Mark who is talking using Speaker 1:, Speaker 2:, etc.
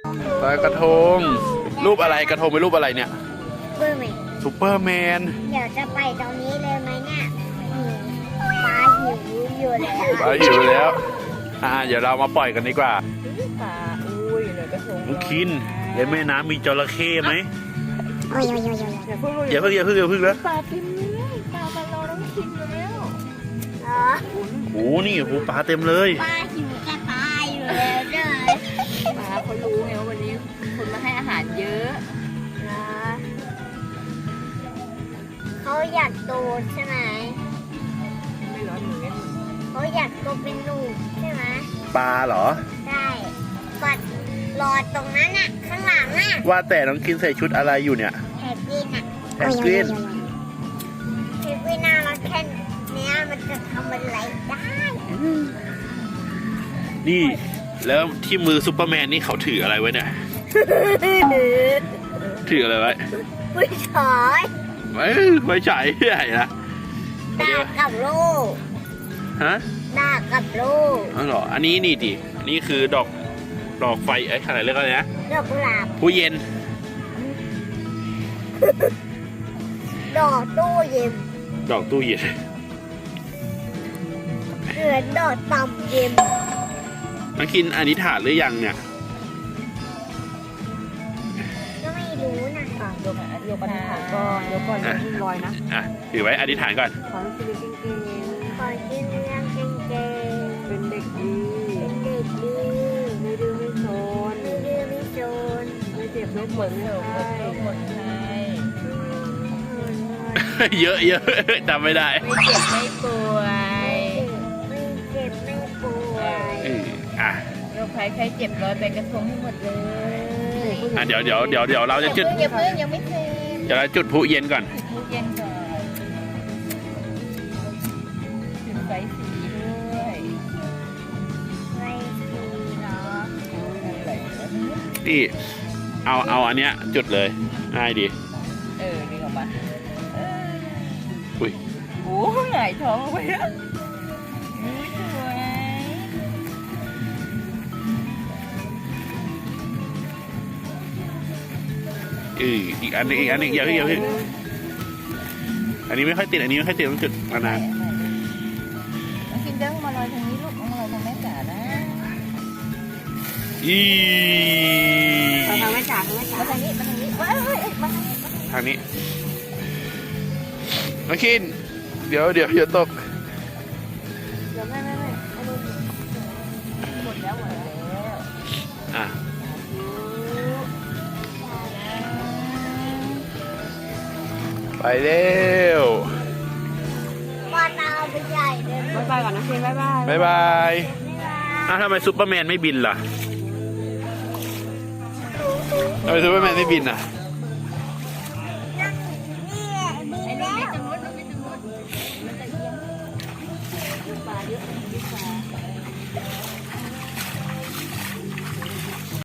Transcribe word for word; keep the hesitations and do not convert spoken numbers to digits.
Speaker 1: ลอยกระทงรูปอะไรกระทงเป็นรูปอะไรเนี่ย
Speaker 2: เบอร์ไหม
Speaker 1: ซูเปอร์แมน
Speaker 2: เดี๋ยวจะไปตรงนี้เลยไหมเนี่ยหิวปลาหิวอยู่แล้ว
Speaker 1: ปลาหิวแล้วอ่าเดี๋ยวเรามาปล่อยกันดีกว่า
Speaker 3: ปลาอุ้ยเลยกระทง
Speaker 1: น้องคินในแม่น้ำมีจระเข้ไหม
Speaker 2: โอ้ยโอ้ยโอ้ยโอ้ย
Speaker 3: อย่าเพิ่ง
Speaker 1: อย่าเพิ่งอย่าเพิ่งอย่าเพิ่งนะ
Speaker 3: ปลาเต็มเลยปลามารอน้องคินแล้ว
Speaker 2: อ๋อ
Speaker 1: โอ้นี่โอ้ปลาเต็มเลย
Speaker 2: ปลาหิวจะตายอยู่แล้วเลย
Speaker 3: ปลาเขารู้ไงว่าวันนี้คนมาให้อาหารเยอะ
Speaker 2: นะเขาอยากโตใช่ไหม
Speaker 3: ไม่ร้อนเหมือนกัน
Speaker 2: เขาอยากโตเป็นหนุ่มใช่ไหม
Speaker 1: ปลาเหรอ
Speaker 2: ได้ปัดรอตรงนั้นน่ะข้างหลังน่ะ
Speaker 1: ว่าแต่น้องคินใส่ชุดอะไรอยู่เนี่ย
Speaker 2: แฮปปี้น่ะ
Speaker 1: แพนกวิน
Speaker 2: แฮปปี้น่ารักแค่เนี้ยมันจะทำอะไรได้
Speaker 1: นี่แล้วที่มือซูเปอร์แมนนี่เขาถืออะไรไว้เนี่ยถืออะไรไว้
Speaker 2: ผู้ชาย
Speaker 1: ไม่ไม่ใช่ใหญ่นะ
Speaker 2: ดาบกับโล่
Speaker 1: ฮะ
Speaker 2: ดาบกับโล่
Speaker 1: อ๋อเหรออันนี้นี่ดิอันนี้คือดอกดอกไฟไอ้ขนาดเล็กอะไรนะ
Speaker 2: ดอกกุหลาบ
Speaker 1: ผู้เย็น
Speaker 2: ดอกตู้เย็น
Speaker 1: ดอกตู้เย็น
Speaker 2: เหมือนดอกตำเย็น
Speaker 1: น้องคินอธิษฐานหรือยังเนี่ย
Speaker 2: ก็ไม่รู้นะ
Speaker 3: อ่ะยกยกปลาก่อนยกก่อนอย่าเพิ่งลอยนะ
Speaker 1: อ่ะถือไว้อธิษฐานก่อน
Speaker 3: ขอให้ชีวิตจริง
Speaker 2: ขอกินเรื่องเก่ง
Speaker 3: ๆเป็นเด็กดี
Speaker 2: ๆเป็นเด็กดี
Speaker 3: ไม่ดื้อไม่โซน
Speaker 2: ไม่ดื้อไม่โจร
Speaker 3: ไม่เจ็บไม่ปวดไม่ไข้หมดไข้
Speaker 1: เยอะเยอะจำไม่ได้
Speaker 3: ไม่เจ็บไม่ป่วย
Speaker 2: ไม่เจ็บไม่ป่วย
Speaker 1: เอออ่ะ
Speaker 3: โรคภัยไข้เจ็บร้อยไปกระทงให้หมดเลย
Speaker 1: อ่ะเดี๋ยวเดี๋ยวเดี๋ยวเดี๋ยวเราจะจุด
Speaker 3: อย่าเพิ่งยังไม่เสร็จ
Speaker 1: เดี๋ยวเราจุดพลุเย็นก่อน
Speaker 3: ทุกเย็นก่อนจุดไฟสีด้วย
Speaker 2: ไม่ดีเนาะ
Speaker 1: นี่เอาเอาอันเนี้ยจุดเลยง่ายดี
Speaker 3: เออดึงออกมาเออ
Speaker 1: อุ้ย
Speaker 3: โอ้หงายท้องลงไปแล้วอุ้ยสวย
Speaker 1: เอออีกอันนึงอีกอันนึงอย่าเพิ่งอย่าเพิ่งอันนี้ไม่ค่อยติดอันนี้ไม่ค่อยติดต้องจุดนาน
Speaker 3: น้องกินเด้งมาลอยทางนี้ลูกมาลอยทางแม่จ๋านะ
Speaker 1: ๆอี
Speaker 2: มาทางแม่จ๋าทางแม่จ๋า
Speaker 3: มาทางนี้มาทางนี้ว้ายเฮ้ยเอ้ยมาทางนี้
Speaker 1: ทางนี้น้องคินเดี๋ยวเดี๋ยวอย่าตก
Speaker 3: เดี๋ยวไม่ไม่ไม่อันนี้หมดแล้วหมดแล้ว
Speaker 1: อ่ะไปเร็ว
Speaker 2: ว่าตาไปใหญ่เลย
Speaker 3: บ๊ายบายก่อนนะเพียงบ๊ายบาย
Speaker 1: บ๊ายบายอ้าวทำไมซูเปอร์แมนไม่บินล่ะทำไมซูเปอร์แมนไม่บินอ่ะ
Speaker 2: นี่มี
Speaker 3: ไอ้ลู
Speaker 2: แล้
Speaker 3: กไม่
Speaker 2: ว
Speaker 3: จังมุดลูกไม่จังมุดมันจะเอียงปลาเยอะปลา